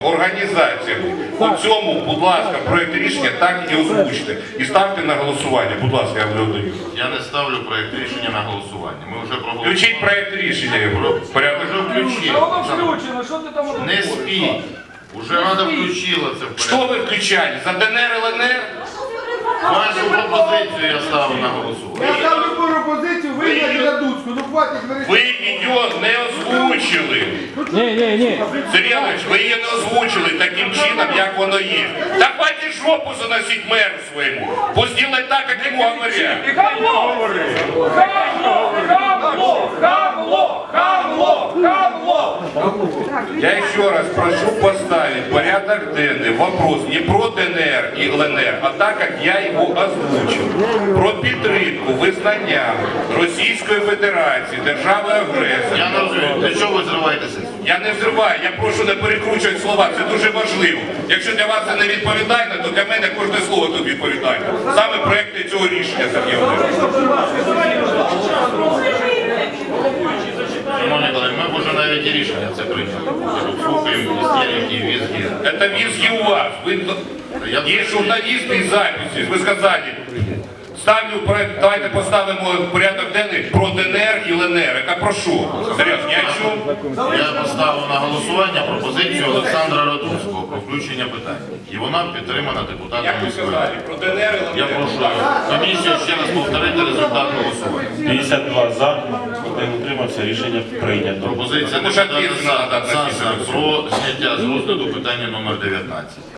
Організація. У цьому, будь ласка, проєкт рішення так і озвучте. І ставте на голосування. Будь ласка, я вже даю. Я не ставлю проєкт рішення на голосування. Ми вже проголосували. Включіть проєкт рішення. Порядок. Вже включили. Воно включено, що ти там? Не спіть. Уже Рада включила це в Що порядок. ви включали? За ДНР, ЛНР? Вашу пропозицію я ставлю на голосування. Я ставлю пропозицію вийняти на Дуцьку. Ну хватить Ви її не озвучили. Ні. Сергійович, ви її не озвучили таким чином, як воно є. Та хватить жопу заносить меру своєму. Пусть делает так, як йому говорять. І хамло! Я еще раз прошу поставить в порядок денный вопрос не про ДНР и ЛНР, а так, как я его озвучил. Про підтримку визнання Російської Федерації, держави-агресора. Я не розумію, для чого ви зриваєтеся? Я не взриваю, я прошу не перекручувати слова, це дуже важливо. Якщо для вас це не відповідально, то для мене кожне слово тут відповідальне. Саме проекти цього рішення, Сергій Володимирович. Шановні колеги, ми вже навіть і рішення це прийняли. Слухаємо істерики, візги. Это визги у вас. Есть журналисты и записи. Вы сказали, давайте поставимо в порядок денний про ДНР і ЛНР. Я прошу. Серйозно, ні о чому. Я поставив на голосування пропозицію Олександра Радунського про включення питання. І вона підтримана депутатом Як ви міської сказали, ради. про ДНР і Я ЛНР. прошу комісію ще раз повторити результат голосування. 52 за, один утримався, рішення прийнято. Пропозиція Тому що депутата відповідь надо дати Саса про зняття з розгляду питання номер 19.